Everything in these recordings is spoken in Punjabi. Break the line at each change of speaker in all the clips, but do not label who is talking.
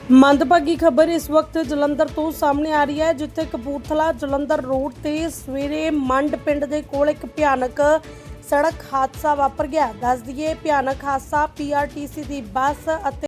ਮੰਦਭਾਗੀ ਖਬਰ ਇਸ ਵਕਤ ਜਲੰਧਰ ਤੋਂ ਸਾਹਮਣੇ ਆ ਰਹੀ ਹੈ, ਜਿੱਥੇ ਕਪੂਰਥਲਾ ਜਲੰਧਰ ਰੋਡ ਤੇ ਸਵੇਰੇ ਮੰਡ ਪਿੰਡ ਦੇ ਕੋਲ ਇੱਕ ਭਿਆਨਕ ਸੜਕ ਹਾਦਸਾ ਵਾਪਰ ਗਿਆ। ਦੱਸ ਦਈਏ, ਭਿਆਨਕ ਹਾਦਸਾ ਪੀਆਰਟੀਸੀ ਦੀ ਬੱਸ ਅਤੇ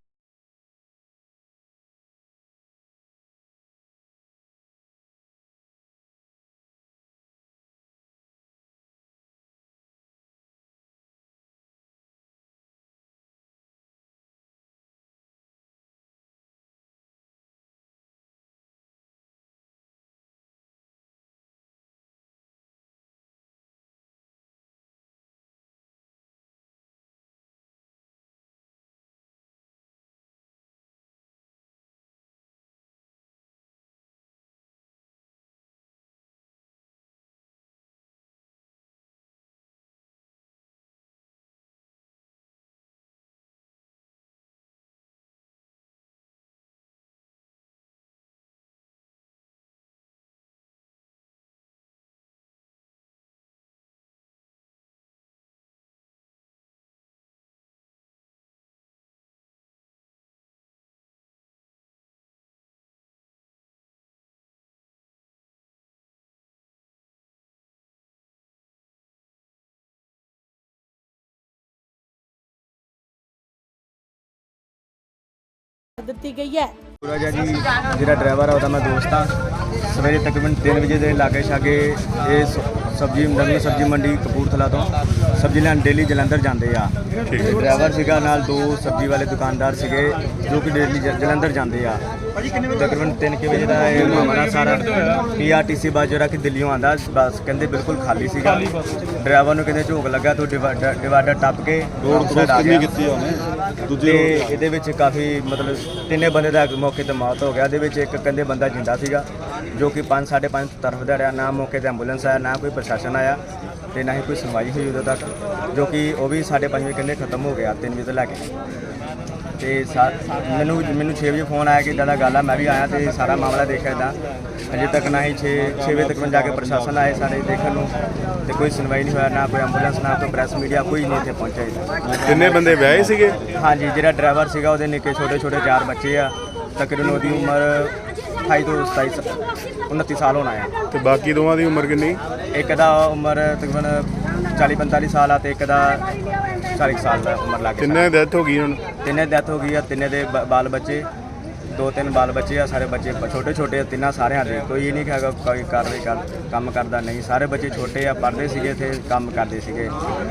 ਦਿੱਤੀ ਗਈ ਹੈ।
सूरज है जी, जो ड्राइवर है वह मैं दोस्त हाँ। सवेरे तकरीबन 3 बजे के लागे छागे ये सब्जी नवी सब्जी मंडी कपूरथला तो सब्जी लैन डेली जलंधर जाते आ। ड्राइवर सीगा नाल 2 सब्जी वाले दुकानदार सीगे जो कि डेली जलंधर जाते आ। तकरीबन 3 बजे का ये मामला सारा PRTC बस जो कि दिल्लियों आता बस कहते बिल्कुल खाली सीगा। ड्राइवर को कहते झोंक लगा तो डिवाइडर टप के रोड साइड आ गया। ये काफ़ी मतलब 3 बंदे का मौके पर मौत हो गया। एक कहते बंदा जिंदा सीगा जो कि 5 साढ़े 5 तरफ रहा। ना मौके पर एंबूलेंस आया, ना कोई प्रशासन आया तो ना ही कोई सुनवाई हुई उदों तक, जो कि वह भी 5:30 बजे कहते खत्म हो गया 3 बजे तो लैके। मैनू 6 बजे फोन आया कि इदा गल है। मैं भी आया तो सारा मामला देखा इदा अजे तक ना ही 6 बजे तक जाके प्रशासन आए सारे देखने तो कोई सुनवाई नहीं होया, ना कोई एंबूलेंस ना कोई प्रेस मीडिया कोई नहीं इतने पहुंचा।
किन्ने बंदे ब्याहे सीगे?
हाँ जी, जो ड्राइवर सीगा वो निक्के छोटे छोटे 4 बच्चे आ। तकरीबन उसकी उम्र 28 तो 29 साल होना है।
तो बाकी दोवां दी उम्र किन्नी?
एक का उम्र तकरीबन 40-45 साल आ, तो एक का 40 साल का उम्र लग
किन्ने डेथ हो गई?
तिने डेथ हो गई है। तिने दे बाल बच्चे 2-3 बाल बच्चे आ। सारे बच्चे छोटे छोटे तिना सारे दे कोई ये नहीं है कोई कार्रवाई काम करता नहीं। सारे बच्चे छोटे आ, पढ़ते सीगे थे, काम करते सीगे।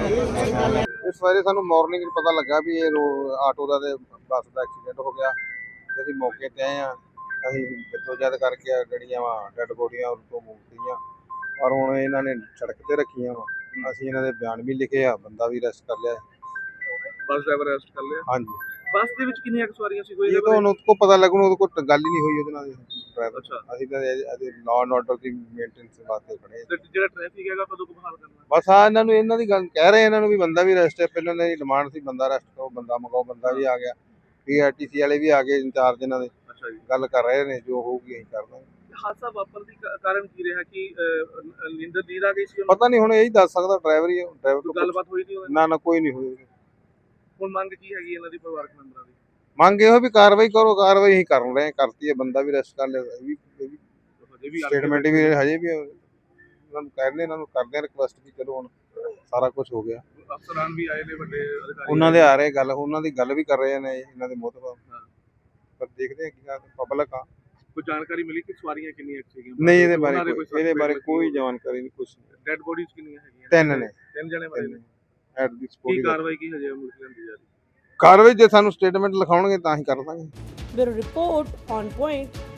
इस सवेरे सानू मॉर्निंग पता लगा भी ये आटो का बस का एक्सीडेंट हो गया। ਅਸੀਂ ਮੌਕੇ ਤੇ ਆਏ ਆ। ਅਸੀਂ ਜਦੋਜਦ ਕਰਕੇ ਜਿਹੜੀਆਂ ਵਾ ਡੈਡ ਬੋਡੀਆਂ ਉਤੋਂ ਮੁਕਤੀਆਂ, ਪਰ ਹੁਣ ਇਹਨਾਂ ਨੇ ਸੜਕ ਤੇ ਰੱਖੀਆਂ ਵਾ। ਅਸੀਂ ਇਹਨਾਂ ਦੇ ਬਿਆਨ ਵੀ ਲਿਖੇ ਆ, ਬੰਦਾ ਵੀ ਅਰੈਸਟ ਕਰ ਲਿਆ।
बस ड्राइवर अरेस्ट कर लिया।
ਹਾਂਜੀ,
बस ਦੇ ਵਿੱਚ ਕਿੰਨੀਆਂ ਸਵਾਰੀਆਂ ਸੀ? ਕੋਈ
ਇਹ ਤਾਂ ਹੁਣ ਉਹਦੇ ਪਤਾ ਲੱਗੂ, ਉਹਦੇ ਕੋਲ ਗੱਲ ਹੀ ਨਹੀਂ ਹੋਈ ਉਹਦੇ ਨਾਲ ਡਰਾਈਵਰ।
ਅੱਛਾ।
ਅਸੀਂ ਤਾਂ ਇਹਦੇ ਲਾਅ ਐਂਡ ਆਰਡਰ ਦੀ ਮੇਨਟੇਨੈਂਸ ਵਾਸਤੇ ਖੜੇ ਆ।
ਜਿਹੜਾ ਟ੍ਰੈਫਿਕ ਹੈਗਾ ਕਦੋਂ ਕੁ ਬਹਾਲ ਕਰਨਾ?
ਬਸ ਆ ਇਹਨਾਂ ਨੂੰ ਇਹਨਾਂ ਦੀ ਗੱਲ ਕਹਿ ਰਹੇ ਇਹਨਾਂ ਨੂੰ ਵੀ ਬੰਦਾ ਵੀ ਅਰੈਸਟ ਹੈ। ਪਹਿਲਾਂ ਇਹਨਾਂ ਦੀ ਡਿਮਾਂਡ ਸੀ ਬੰਦਾ ਅਰੈਸਟ ਕਰੋ, ਬੰਦਾ ਮੰਗਾਓ, ਬੰਦਾ ਵੀ ਆ ਗਿਆ। PRTC ਵਾਲੇ ਵੀ ਆ ਗਏ, ਇੰਚਾਰਜ ਇਹਨਾਂ ਦੇ
ਅੱਛਾ ਜੀ।
ਗੱਲ ਕਰ ਰਹੇ ਨੇ, ਜੋ ਹੋਊਗੀ ਅਸੀਂ ਕਰ ਦਾਂਗੇ।
ਹਾਦਸਾ ਵਾਪਰਨ ਦੀ ਕਾਰਨ ਕੀ ਰਿਹਾ ਕਿ ਨੀਂਦ ਆ ਗਈ ਸੀ?
ਪਤਾ ਨਹੀਂ, ਹੁਣ ਇਹੀ ਦੱਸ ਸਕਦਾ ਡਰਾਈਵਰ ਹੀ। ਡਰਾਈਵਰ ਤੋਂ
ਗੱਲਬਾਤ ਹੋਈ ਨਹੀਂ?
ਨਾ ਕੋਈ ਨਹੀਂ ਹੋਈ।
ਹੁਣ ਮੰਗ ਕੀ ਹੈਗੀ ਇਹਨਾਂ ਦੀ ਪਰਿਵਾਰਕ ਮੈਂਬਰਾਂ ਦੀ?
ਮੰਗ ਇਹੋ ਵੀ ਕਾਰਵਾਈ ਕਰੋ। ਕਾਰਵਾਈ ਅਸੀਂ ਕਰ ਰਹੇ, ਕਰਤੀ ਹੈ, ਬੰਦਾ ਵੀ ਅਰੈਸਟ ਕਰ ਲਿਆ। ਇਹ ਵੀ ਸਟੇਟਮੈਂਟ ਵੀ ਹਜੇ ਵੀ ਇਹਨਾਂ ਨੂੰ ਕਹਿੰਦੇ, ਇਹਨਾਂ ਨੂੰ ਕਰਦੇ ਰਿਕੁਐਸਟ ਵੀ ਚਲੋ ਹੁਣ ਸਾਰਾ ਕੁਝ ਹੋ ਗਿਆ।
ਅਫਸਰਾਨ ਵੀ ਆਏ ਨੇ, ਵੱਡੇ ਅਧਿਕਾਰੀ
ਉਹਨਾਂ ਦੇ ਆ ਰਹੇ, ਗੱਲ ਉਹਨਾਂ ਦੀ ਗੱਲ ਵੀ ਕਰ ਰਹੇ ਨੇ ਇਹਨਾਂ ਦੇ ਮੋਹਤਬਰ। ਪਰ ਦੇਖਦੇ ਆ ਕੀ ਕਰਦੇ। ਪਬਲਿਕ ਆ,
ਕੋਈ ਜਾਣਕਾਰੀ ਮਿਲੀ ਕਿ ਸਵਾਰੀਆਂ ਕਿੰਨੀਆਂ ਸੀਗੀਆਂ?
ਨਹੀਂ ਇਹਦੇ ਬਾਰੇ ਕੋਈ ਜਾਣਕਾਰੀ ਨਹੀਂ, ਕੁਝ ਨਹੀਂ।
ਡੈਡ ਬੋਡੀਜ਼ ਕਿੰਨੀਆਂ ਹੈਗੀਆਂ?
3 ਨੇ।
3 ਜਣੇ ਮਰੇ ਨੇ।
ਐਟ ਦੀ
ਕੀ
ਸਪੋਰਟ
ਕਾਰਵਾਈ ਕੀ ਹਜੇ ਅਮਲ ਚ ਲਿਆਂਦੀ ਜਾ ਰਹੀ?
ਕਾਰਵਾਈ ਜੇ ਸਾਨੂੰ ਸਟੇਟਮੈਂਟ ਲਿਖਾਉਣਗੇ ਤਾਂ ਹੀ ਕਰ ਦਾਂਗੇ।
Bureau report on point.